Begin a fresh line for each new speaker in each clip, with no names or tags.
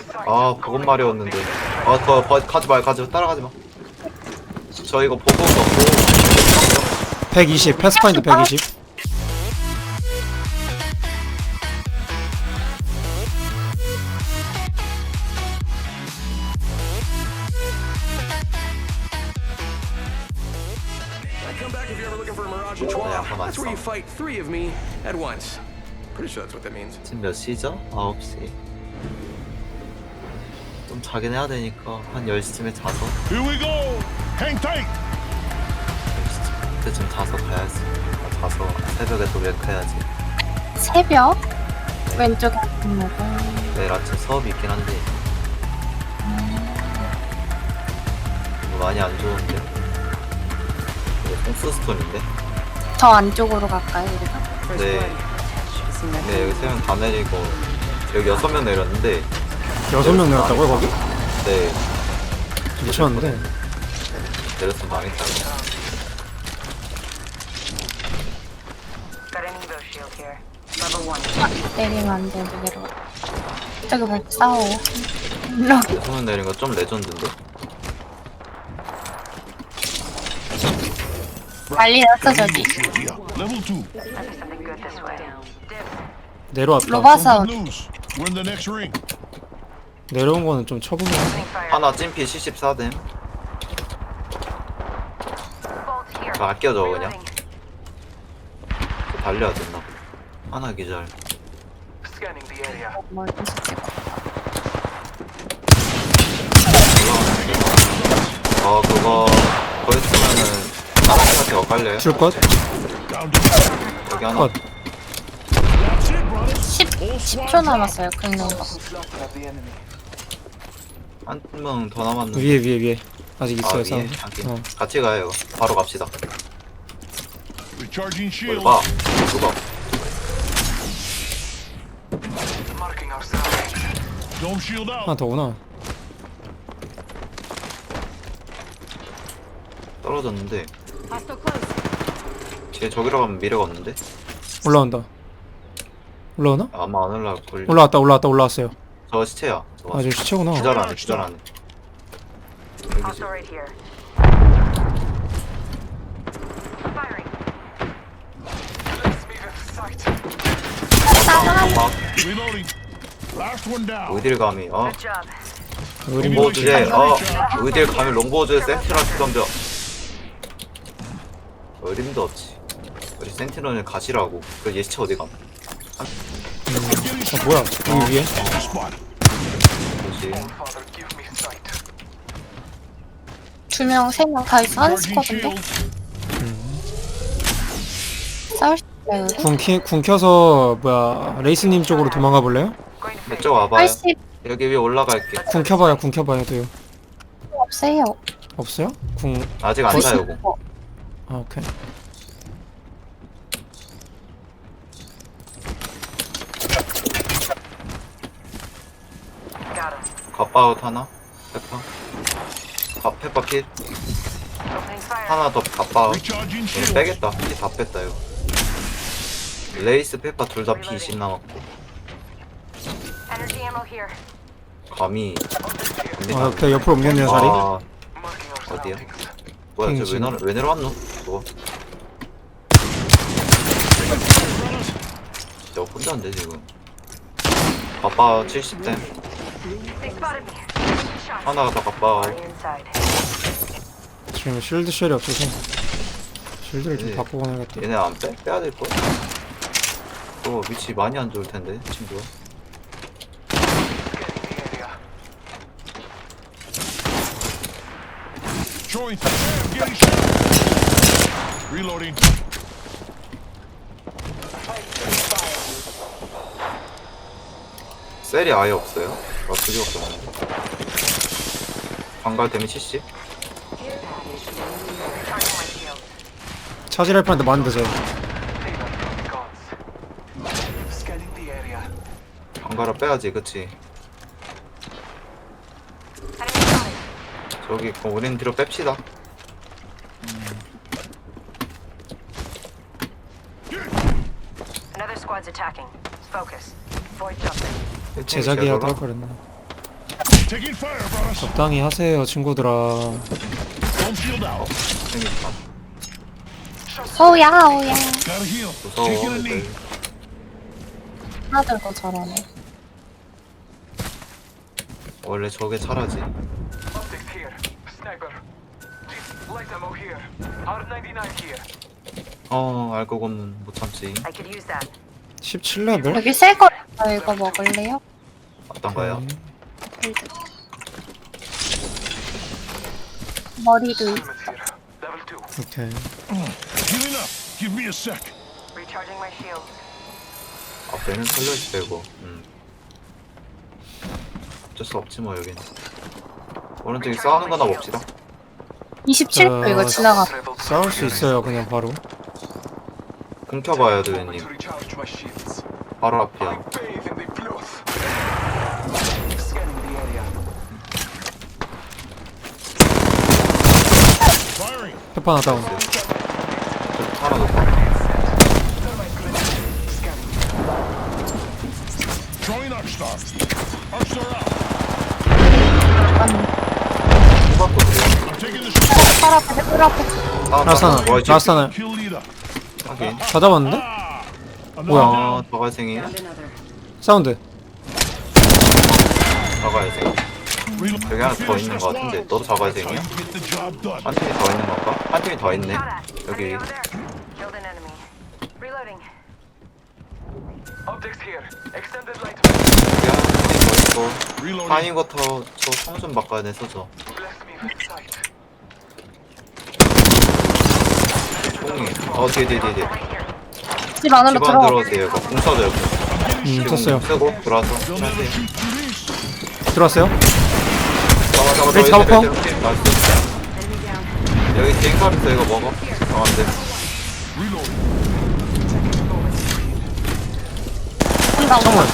아 그것 말이었는데. 아 그거 가지 마 따라가지 마. 저 이거 보고 넣고
120 패스파인드 120.
Come back if you're ever looking for a Mirage and
네, 아까
That's where you
맞았어.
fight 3 of me at once. Pretty sure that's what that means.
지금 몇 시죠? 9시. 좀 자긴 해야 되니까 한 10시쯤에 자서
Here we go. Hang tight.
10시쯤 그때쯤 자서 가야지. 자서 새벽에 또 웨크해야지.
새벽? 왼쪽에 있는 거.
내일 아침 수업이 있긴 한데 이거 많이 안 좋은데. 이거 뽕스스톤인데?
더 안쪽으로 갈까요, 우리가?
네. 네 여기 3명 다 내리고 여기 6명 내렸는데
6명 내렸다고요 거기?
네
미쳤는데.
내렸으면 망했다.
Got an Evo shield here. Level 1.
때리면 안 되는데 내려가. 저기 뭘 싸워. 일로.
6명 내린 거 좀 레전드인데?
난리 났어, 저기.
Shield here. Level 2.
Might be something good this way.
내려왔다.
로바 사운드.
Lose. We're in the next ring.
내려온 거는 좀 쳐보면.
Opening fire.
하나 찜피 74댐.
Bolt here.
아, 아껴줘 그냥.
Reloading.
달려야 된다. 하나 기절.
Scanning the area.
뭘 계속 찍어.
그거 거기 쓰면은 하나씩한테 엇갈려요?
줄 것?
Down to
여기 하나.
컷.
That's it, brothers.
10초 남았어요, 긁는 거.
한 명 더 남았는데.
위에 아직
아
있어요
위에?
사운드.
하긴.
어.
같이 가요 이거. 바로 갑시다.
Recharging
뭘
shield.
봐. 누가?
Marking our surroundings.
Dome shield out.
하나 더구나.
떨어졌는데.
Hostile close.
뒤에 저기로 가면 미래가 없는데?
올라온다. 올라오나?
아마 안 올라올걸.
올라왔어요.
저 시체야. 저거.
아 저 시체구나.
기절하네. 여기
Hostile right here. Firing.
Let's move in sight.
막
Reloading. Last one down.
어딜 감히
Good job.
우리
롱보우 주제 어딜 감히 롱보우 주제 센티널 던져. 어림도 없지. 우리 센티널을 가시라고. 그 예시체 어디 감?
뭐야? 여기 위에?
Spot.
그렇지.
Father, give me sight.
2명, 3명 다 있어. 한
Recharging
스쿼드인데?
shield.
싸울 수 있어요, 여기?
궁 켜서 뭐야 레이스님 쪽으로 도망가 볼래요?
Going to
이쪽 와봐요.
80
여기 위에 올라갈게.
궁 켜봐요 돼요.
없어요.
없어요? 궁.
아직 안 사요. 공.
아 오케이.
got him.
갓바웃 하나. 페퍼 킷.
Opening fire.
하나 더 갓바웃.
Recharging
얘
shield.
빼겠다. 다 뺐다 이거. 레이스 페퍼 둘 다 P20 남았고.
Energy ammo here.
감히.
아 오케이 옆으로 옮겼네요 자리.
아
Marking our
어디야?
surroundings.
뭐야
핑
왜 내려왔노? 저거. 저 혼자인데 지금. 갓바 70댐.
They spotted me. Shot.
하나가 더 갓바.
Already inside.
지금 실드 쉘이 없어서 실드를 좀
네.
바꾸고 가야겠다.
얘네 안 빼? 빼야 될 걸? 또 위치 많이 안 좋을 텐데 친구야.
Scanning the area.
Throwing. Getting shot. Reloading.
셀이 아예 없어요? 아, 두 개밖에 없는데. 방갈 데미 70?
Charging my shield.
차지할 뻔했는데 맞는데 쟤.
Payload gods. Scanning the area.
방갈아 빼야지, 그치?
Enemy spotted.
저기, 그럼 우린 뒤로 뺍시다.
Another squad's attacking. Focus. Void jumping.
제작이라도 할 거랬나.
Taking fire, brothers.
적당히 하세요 친구들아.
Home shield out.
생겼다.
오야 오야.
Gotta heal.
무서워.
Taking a knee.
하나들 거 잘하네.
원래 저게 차라지.
Optics here. Sniper. Light ammo here. R99 here.
알고 보면 못 참지.
I could use that.
17레벨?
여기 새거 이거 먹을래요?
어떤 거요?
머리도 있어.
Here. Level 2.
오케이.
Healing up. Give me a sec.
Recharging my shields.
앞에는 털려있 빼고. 어쩔 수 없지 뭐 여긴. 오른쪽에 싸우는 거나 봅시다.
27초 이거 지나가.
싸울 수 있어요 그냥 바로.
공켜봐요 도현님.
Recharge my shields.
바로 앞이야.
Bathe in the blood. Scanning the area.
Firing.
페파 하나 다운.
하나 높아.
Throwing Arcstar. Arcstar out.
수박도 돼요.
I'm taking the shot.
팔 앞에 뿔 앞에.
라스트 하나. 라스트 하나.
Kill leader.
하긴.
다 잡았는데? 뭐야?
저갈생이.
Another.
사운드.
저갈생.
Reload.
여기 하나 더 있는 거 같은데 너도 저갈생이야?
Get the job done.
한 팀이 더 있는 건가? 한 팀이 더 있네.
Shot at.
여기.
Enemy over there. Killed an enemy. Reloading.
Optics here. Extended light.
여기 한 팀이 더 있고.
Reloading.
파인거터 저성좀 바꿔야 돼 써줘.
Bless me with sight.
뽕이. 뒤에.
Right here.
집 안으로
집안
들어.
들어오세요. 이거 공 써줘요.
떴어요.
쓰고 들어와서.
They'll never
하세요.
shoot through these.
들어왔어요?
잡아.
네, 잡아.
나이스. 여기 개인컵 있어 이거 먹어. 안돼.
Reloading.
한다.
창문.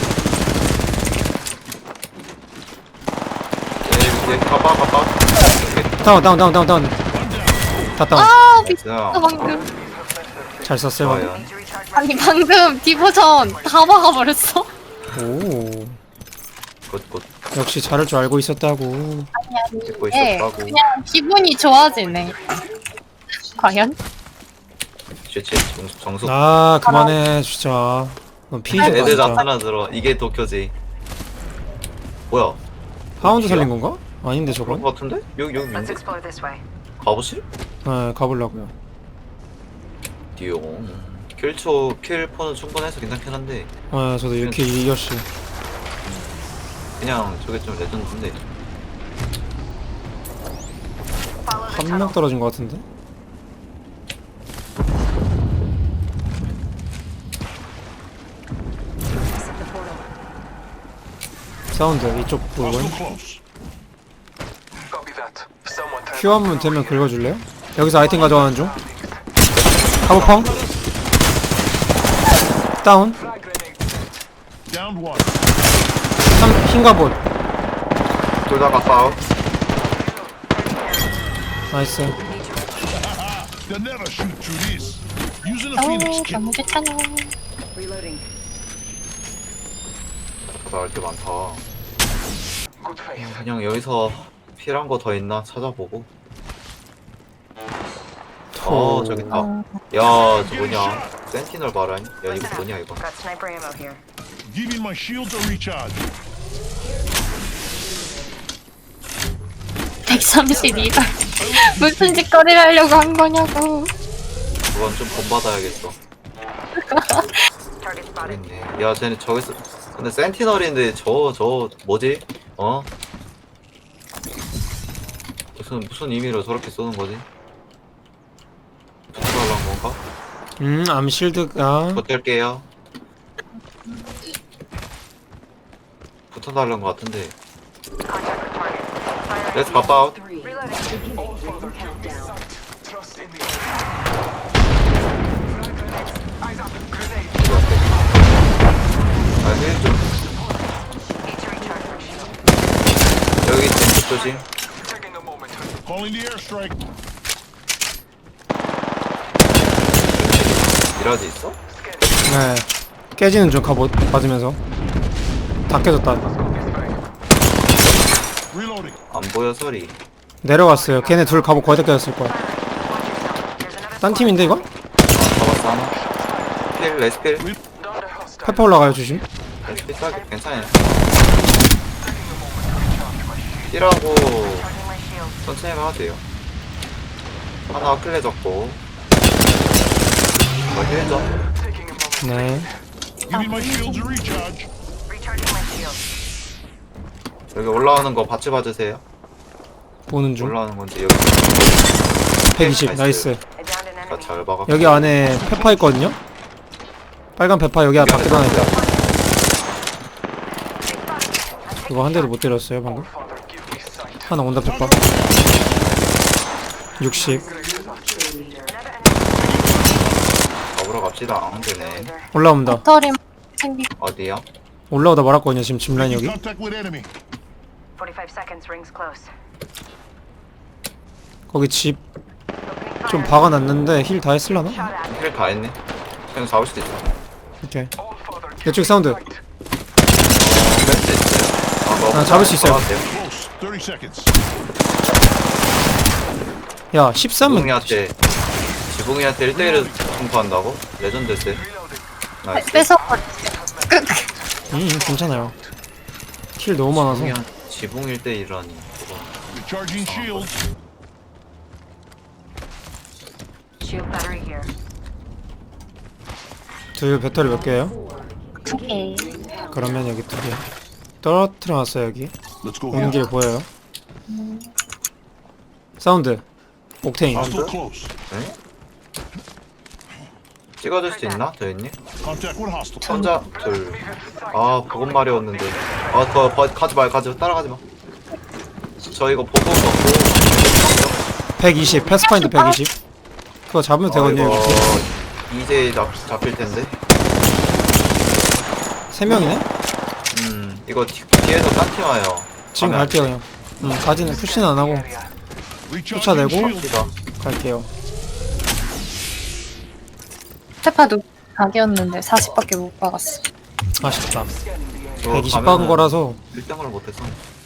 얘 가봐.
다운. 다 다운.
아 미쳤어
나이스.
방금.
잘 썼어요 방금.
좋아요.
Need to recharge my
아니 방금 디보전 다 막아버렸어.
오.
굿.
역시 잘할 줄 알고 있었다고.
듣고
예,
있었다고.
그냥 기분이 좋아지네. 과연?
좋지. 정숙.
아 그만해 진짜. 넌 피해자
애들
진짜.
나타나 들어. 이게 도쿄지. 뭐야?
하운드 살린 건가? 아닌데
그런
저건?
거 같은데? 여기
Let's
민데?
explore this way.
가보실?
네 가보려고요.
띠용. 킬포는 충분해서 괜찮긴 한데
네 저도 이렇게 이겼시.
그냥 저게 좀 레전드인데.
Follow the
한
tunnel.
명 떨어진 것 같은데? 사운드 이쪽 부분.
Hostile close.
Copy that. Someone turn.
큐 한 번 되면 긁어줄래요? 여기서 아이템 가져가는 중. 카보펑. 다운.
Frag grenade.
Downed one.
흰 갑옷.
둘 다 갔다.
나이스.
They'll never shoot through these. Using a
어
Phoenix kit.
너무 귀찮아.
Reloading.
나올 때 많다.
Good faith.
그냥 여기서 필요한 거 더 있나 찾아보고. 저기 있다. 야, 저 뭐냐? 센티널 봐라. 야, 이거 뭐냐 이거?
Got sniper ammo here.
Giving my shields a recharge.
132발. 무슨 짓거리를 하려고 한 거냐고.
그건 좀 본받아야겠어.
Target spotted.
있네. 야, 쟤네 저기서 근데 센티널인데 저 뭐지? 무슨 의미로 저렇게 쏘는 거지? 붙어달란 건가?
암실드가.
붙을게요. 붙어달란 거 같은데.
Contact with target. Fire
Let's pop out.
Reloading.
Trust in the Eyes up. Grenade.
아, 힐 좀.
Need to recharge my shield.
여기 템프 조심.
Taking a moment.
Calling the airstrike.
미라지 있어?
네. 깨지는 중 갑옷 맞으면서. 다 깨졌다.
Reloading.
안 보여 소리.
내려갔어요. 걔네 둘 갑옷 거의 다 껴졌을 거야. 딴 팀인데 이거?
잡았어 하나. 필 레스필.
페퍼 올라가요 조심.
레스필 싸게 괜찮아요. 필하고 천천히 가도 돼요. 하나 클레 잡고. 이거 힐 좀.
네.
Give me my shields to recharge.
Recharging my shields.
여기 올라오는 거 같이 봐주세요.
보는 중.
올라오는 건지 여기.
120 나이스.
I downed an enemy.
잘 박아.
여기 안에 페파 있거든요. 빨간 페파 여기 앞에 밖에 하나 있다. 이거 한 대도 못 때렸어요 방금. 하나 온다 페파. 60
잡으러 갑시다. 안 되네.
올라온다.
터림 챙기.
어디요?
올라오다 말았거든요 지금 짚라인 여기.
Contact with enemy.
45 seconds. Rings close.
거기 집
Opening
좀
fire.
박아놨는데 힐 다 했을라나?
Shot at.
힐 다 했네. 그냥 잡을 수도 있어.
오케이. 이쪽 사운드.
뺄수 있어요.
아, 잡을 수 있어요.
Close. 30 seconds.
야 13은
지붕이한테 1대1을 공포한다고? 레전드세. 나이스.
뺏어버렸어요.
괜찮아요. 킬 너무 많아서.
지붕 1대1이라니.
Recharging shields.
Shield battery here.
둘 배터리 몇 개예요?
2개.
그러면 여기 2개. 떨어뜨려놨어요 여기.
Let's go
오는
here.
길 보여요. 사운드. 옥테인.
Hostile close.
네? 찍어줄 수 있나? 도현님?
Contact with hostile.
혼자 둘. 아 그건 말이었는데. 아더 가지 마 따라가지 마. 저 이거 보고 먹고.
120 패스파인드 120. 그거 잡으면 되거든요
이거
여기.
이제 잡힐 텐데.
3명이네?
이거 뒤에서 딴 팀 와요.
지금
가면
갈게요 그냥. 가지는 푸시는 안 하고
Recharging
쫓아내고.
shields.
시다.
갈게요.
페파도 각이었는데 40밖에 못 박았어.
아쉽다.
이거
120
가면은
박은 거라서
1등을 못해서.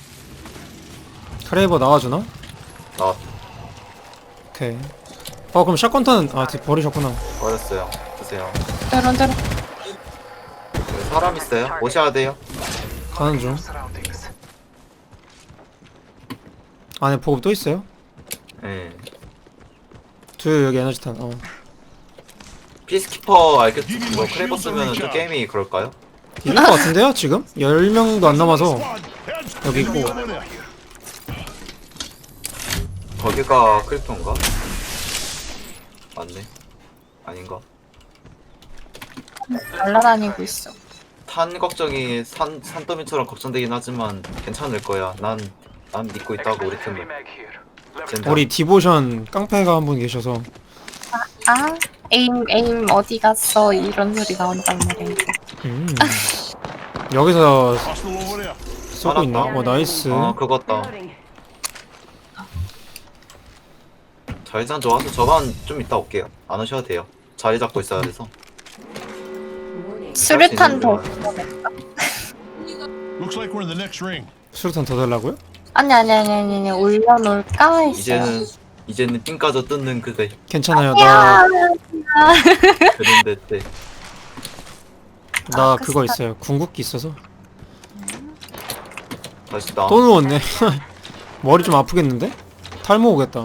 크레이버 나와주나?
나
오케이. 그럼 샷건탄은 버리셨구나.
버렸어요. 드세요.
때론.
여기 사람 있어요? 오셔야 돼요.
가는 중. 안에 보급 또 있어요?
예.
둘 여기 에너지탄.
피스키퍼 알겠 뭐 크레이버 쓰면은 또 게임이 그럴까요?
이길 것 같은데요 지금? 10명도 안 남아서.
Squad. Heads.
여기 있고.
Over there.
거기가 크립토인가? 맞네. 아닌가?
날라다니고 있어.
탄 걱정이 산더미처럼 걱정되긴 하지만 괜찮을 거야. 난 믿고 있다고 우리 팀을. 젠장.
우리 디보션 깡패가 한 분 계셔서.
아, 에임 어디 갔어? 이런 소리 나온단 말이야.
여기서
Hostile over there.
쏘고 있나? 나이스.
그거다. 자리장 좋아서 저만 좀 이따 올게요. 안 오셔도 돼요. 자리 잡고 있어야 돼서.
수류탄 더.
Looks like we're in the next ring.
수류탄 더 달라고요?
아니, 올려놓을까 했어요.
이제는 삥 까져 뜯는 그대.
괜찮아요.
야,
그런데 때.
나 그거 있어요. 궁극기 있어서.
다시 나.
또 누웠네. 머리 좀 아프겠는데? 탈모 오겠다.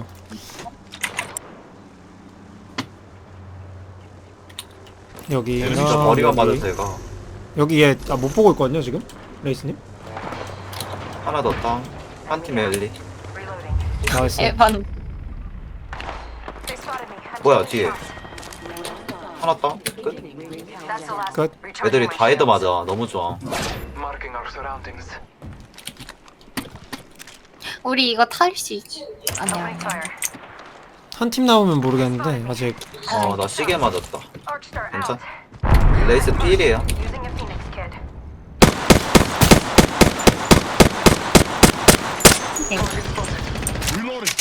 여기.
진짜 머리가 맞아서 얘가.
여기 얘 못 보고 있거든요 지금. 레이스님.
하나 더 땅. 한 팀에 엘리.
Reloading.
나이스.
에반.
They spotted me.
뭐야 뒤에. 하나 땅. 끝.
That's the last.
끝.
Recharging
애들이
my
다 헤드
shields.
맞아. 너무 좋아.
Marking our surroundings.
우리 이거 탈 수 있지? 아니야.
Opening fire.
한 팀 나오면 모르겠는데 아직.
나 시계 맞았다.
Arcstar
괜찮?
out.
레이스 필이에요.
Using a Phoenix kit.
Reloading.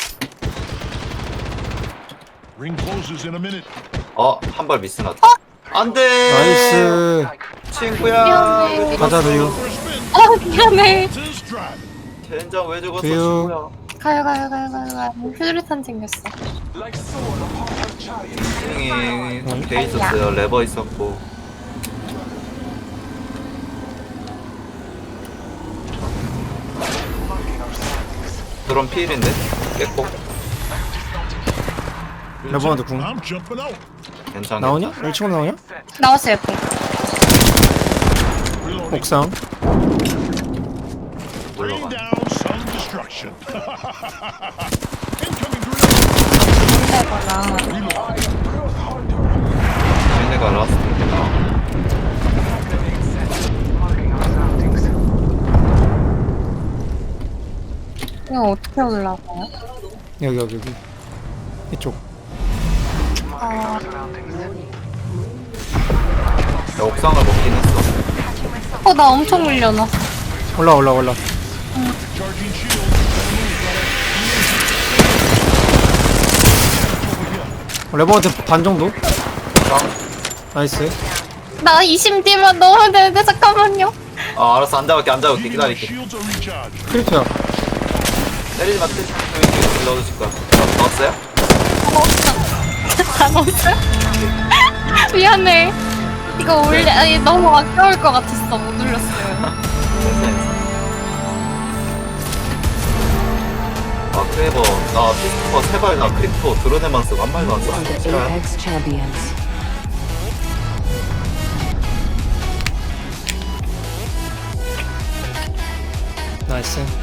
Ring closes in a minute.
한 발 미스 났다. 안 돼.
나이스.
친구야.
미안해.
가자 누유.
First spin.
미안해.
This drive.
젠장 왜 죽었어
두유.
친구야.
가요. 휴대탄 챙겼어.
스팅이 돼 있었어요. 레버 있었고. 드론 필인데 깼고.
레버한테 궁
I'm jumping out.
괜찮아.
나오냐? 1층으로 나오냐?
나왔어 옆에.
Reloading.
옥상
Bring
올라가.
down some destruction. Incoming grenade.
근데거나
얘네가 라스트구나.
이거 어떻게 올라가요?
여기 이쪽
아,
야, 옥상을 먹긴 했어.
나 엄청 밀려나.
올라
Charging shield.
레버한테 반 정도?
옥상?
나이스
나 20D만 넣으면 되는데 잠깐만요.
아 알았어 앉아볼게
Needing my
기다릴게.
shields are recharged.
크리트야
때리지 마 때리지 마. 넣어주실 거야. 넣었어요?
다 넣었어요? 미안해. 이거 올려 아니 너무 아까울 것 같았어. 못 올렸어요.
아 크레이버 나 피스퍼 3발 나 크리프토 드론에만 쓰고 한 발도 안 써.
The
싫어요?
Apex Champions.
나이스